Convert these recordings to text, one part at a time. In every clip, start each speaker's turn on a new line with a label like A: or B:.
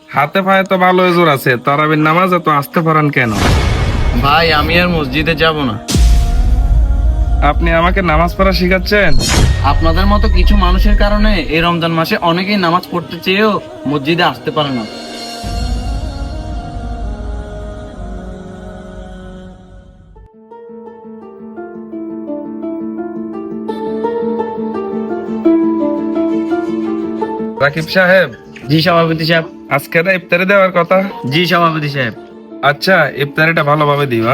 A: হাতে পায়ে তো ভালো জোর আছে, তারাবির নামাজ এত আসতে পারেন কেন?
B: ভাই আমি আর মসজিদে যাব না।
A: আপনি আমাকে নামাজ পড়া শিখাচ্ছেন?
B: আপনাদের মতো কিছু মানুষের কারণে এই রমজান মাসে অনেকেই নামাজ পড়তে চেয়েও মসজিদে আসতে পারে না।
A: রাকিব সাহেব,
B: জি সভাপতি সাহেব।
A: আজকে না ইফতারি দেওয়ার কথা।
B: জি সভাপতি সাহেব।
A: আচ্ছা, ইফতারিটা ভালোভাবে দিবা।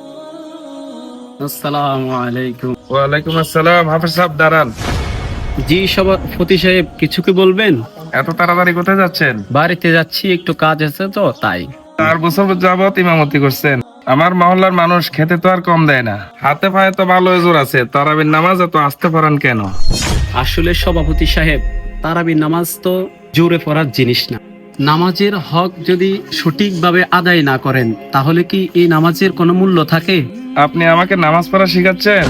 B: আসসালামু আলাইকুম।
A: ওয়ালাইকুম আসসালাম। হাফেজ সাহেব দাঁড়ান।
C: জি সভাপতি সাহেব, কিছু কি বলবেন?
A: এত তাড়াতাড়ি কোথায় যাচ্ছেন?
C: বাড়িতে যাচ্ছি, একটু কাজ আছে তো তাই।
A: 4 বছর যাবত ইমামতি করছেন। আমার মহল্লার মানুষ খেতে তো আর কম দেয় না। হাতে পায়ে তো ভালো জোর আছে, তারাবির নামাজ এত আসতে পারেন কেন?
C: আসলে সভাপতি সাহেব, তারাবির নামাজ তো জোরে পড়ার জিনিস না। নামাজের হক যদি সঠিকভাবে আদায় না করেন তাহলে কি এই নামাজের কোনো মূল্য থাকে?
A: আপনি আমাকে নামাজ পড়া শিখাচ্ছেন?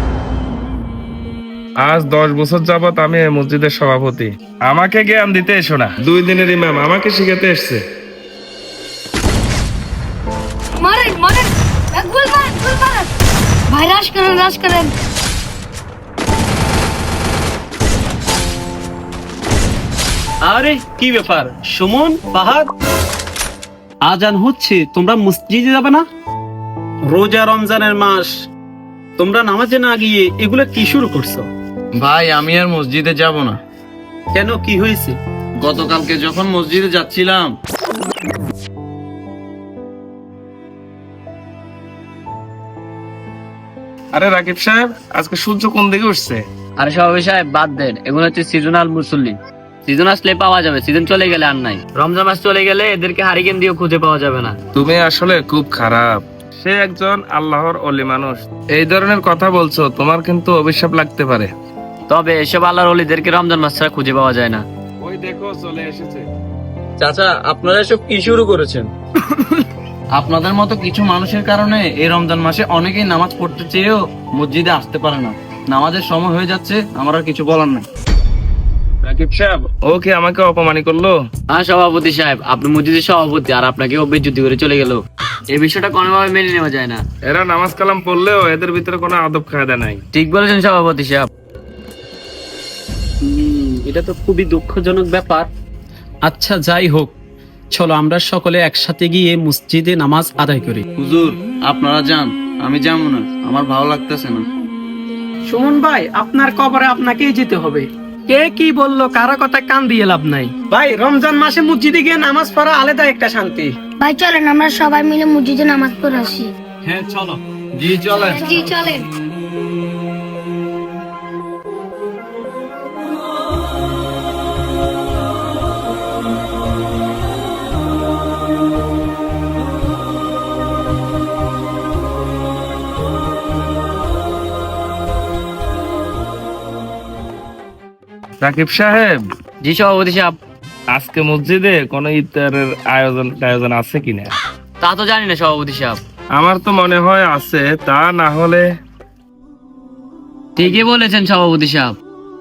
A: আজ 10 বছর যাবত আমি এই মসজিদের সভাপতি। আমাকে জ্ঞান দিতে এসো না। 2 দিনের ইমাম আমাকে শিখাতে এসছে।
D: মারেন মারেন, গোল মারেন গোল মারেন ভাই, রাশ করেন রাশ করেন।
C: আরে কি ব্যাপার সুমন, ফাহাদ, আজান হচ্ছে, তোমরা মসজিদে যাবে না? রোজা রমজানের মাস, তোমরা নামাজে না গিয়ে এগুলো কি শুরু করছো?
B: ভাই আমি আর মসজিদে যাব না।
C: কেন, কি হয়েছে?
B: গতকালকে যখন মসজিদে যাচ্ছিলাম,
A: আরে রাকিব সাহেব, আজকে সূর্য কোন দিকে উঠছে?
E: আরে সভাপতি সাহেব বাদ দেন, এগুলো হচ্ছে সিজনাল মুসল্লি। সিজন আসলে পাওয়া যাবে, সিজন চলে গেলে আর নাই। রমজান মাস চলে গেলে এদেরকে হারিকেন দিয়েও খুঁজে পাওয়া যাবে না।
A: তুমি আসলে খুব খারাপ। সে একজন আল্লাহর ওলি মানুষ। এই ধরনের কথা বলছো, তোমার কিন্তু অভিশাপ লাগতে পারে।
E: তবে এসব আল্লাহর ওলিদেরকে রমজান মাস ছাড়া খুঁজে পাওয়া যায় না।
A: ওই দেখো চলে এসেছে।
B: চাচা আপনারা এসব কি শুরু করেছেন? আপনাদের মতো কিছু মানুষের কারণে এই রমজান মাসে অনেকেই নামাজ পড়তে চেয়েও মসজিদে আসতে পারে না। নামাজের সময় হয়ে যাচ্ছে, আমার আর কিছু বলার নাই।
A: রাকিব সাহেব, ও কি আমাকে অপমানি করলো?
E: হ্যাঁ সভাপতি সাহেব, আপনি মসজিদের সভাপতি আর আপনাকে বেজ্জতি করে চলে গেল। এই বিষয়টা কোনোভাবে মেনে নেওয়া যায় না।
A: এরা নামাজ কালাম পড়লেও এদের ভিতরে কোনো আদব কায়দা নাই।
E: ঠিক বলেছেন সভাপতি সাহেব।
C: এটা তো খুবই দুঃখজনক ব্যাপার। আচ্ছা যাই হোক, চলো আমরা সকলে একসাথে গিয়ে মসজিদে নামাজ আদায় করি।
B: হুজুর আপনারা যান, আমি যাবো না, আমার ভালো লাগতেছে না।
F: সুমন ভাই, আপনার কবরে আপনাকেই যেতে হবে। কে কি বললো, কারো কথা কান দিয়ে লাভ নাই। ভাই রমজান মাসে মসজিদে গিয়ে নামাজ পড়া আলাদা একটা শান্তি।
D: ভাই চলেন আমরা সবাই মিলে মসজিদে নামাজ পড়ে আসি।
C: হ্যাঁ চলো।
B: জি চলেন।
D: জি চলেন।
A: রাকিব সাহেব,
E: জি সভাপতি সাহেব।
A: আজকে মসজিদে কোনো ইফতারের আয়োজন আছে কিনা?
E: তা তো জানি না সভাপতি সাহেব।
A: আমার তো মনে হয় আছে, তা না হলে।
E: ঠিকই বলেছেন সভাপতি সাহেব।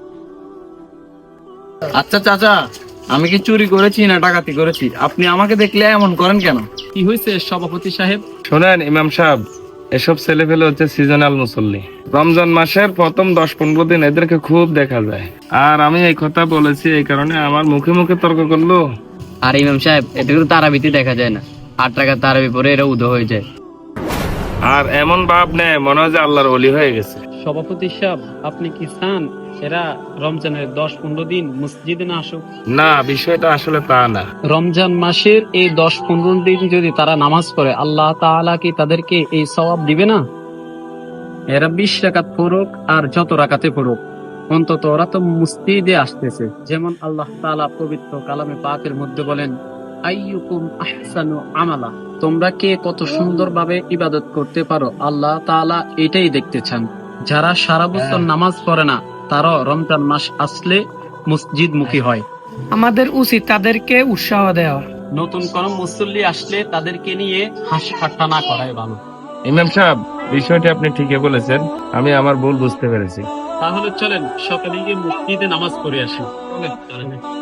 B: আচ্ছা চাচা, আমি কি চুরি করেছি না ডাকাতি করেছি? আপনি আমাকে দেখলে এমন করেন কেন?
C: কি হয়েছে সভাপতি সাহেব?
A: শোনেন ইমাম সাহেব, এসব ছেলে ফেলে হচ্ছে সিজনাল মুসল্লি। রমজান মাসের প্রথম 10-15 দিন এদেরকে খুব দেখা যায়। আর আমি এই কথা বলেছি এই কারণে আমার মুখে মুখে তর্ক করলো।
E: আর ইমাম সাহেব, এটা কিন্তু তারাবিতে দেখা যায় না। 8 টাকা তারাবি পরে এরা উদয় হয়ে যায়।
A: আর এমন ভাব নেয় মনে হয় যে আল্লাহর ওলি হয়ে গেছে।
C: সভাপতি সাহেব, আপনি কি চান এরা রমজানের 10-15 দিন মসজিদে না আসুক?
A: না, বিষয়টা আসলে তা না।
C: রমজান মাসের এই 10-15 দিন যদি তারা নামাজ পড়ে, আল্লাহ তাআলা কি তাদেরকে এই সওয়াব দিবে না? এরা 20 রাকাত পড়ুক আর যত রাকাতে পড়ুক, অন্তত ওরা তো মসজিদে আসতেছে। যেমন আল্লাহ তাআলা পবিত্র কালামে পাকের মধ্যে বলেন, আইয়ুকুম আহসানু আমালা, তোমরা কে কত সুন্দরভাবে ইবাদত করতে পারো, আল্লাহ তাআলা এটাই দেখতে চান। যারা সারা বছর নামাজ পড়ে না, তারা রমজান মাস আসলে মসজিদমুখী হয়।
F: আমাদের উচিত তাদেরকে উৎসাহ দেওয়া।
C: নতুন কোন মুসল্লি আসলে তাদেরকে নিয়ে হাসি ঠাট্টা না করাই ভালো।
A: ইমাম সাহেব, বিষয়টি আপনি ঠিকই বলেছেন। আমি আমার ভুল বুঝতে পেরেছি।
C: তাহলে চলেন সকালে গিয়ে মসজিদে নামাজ পড়ে আসি। চলেন।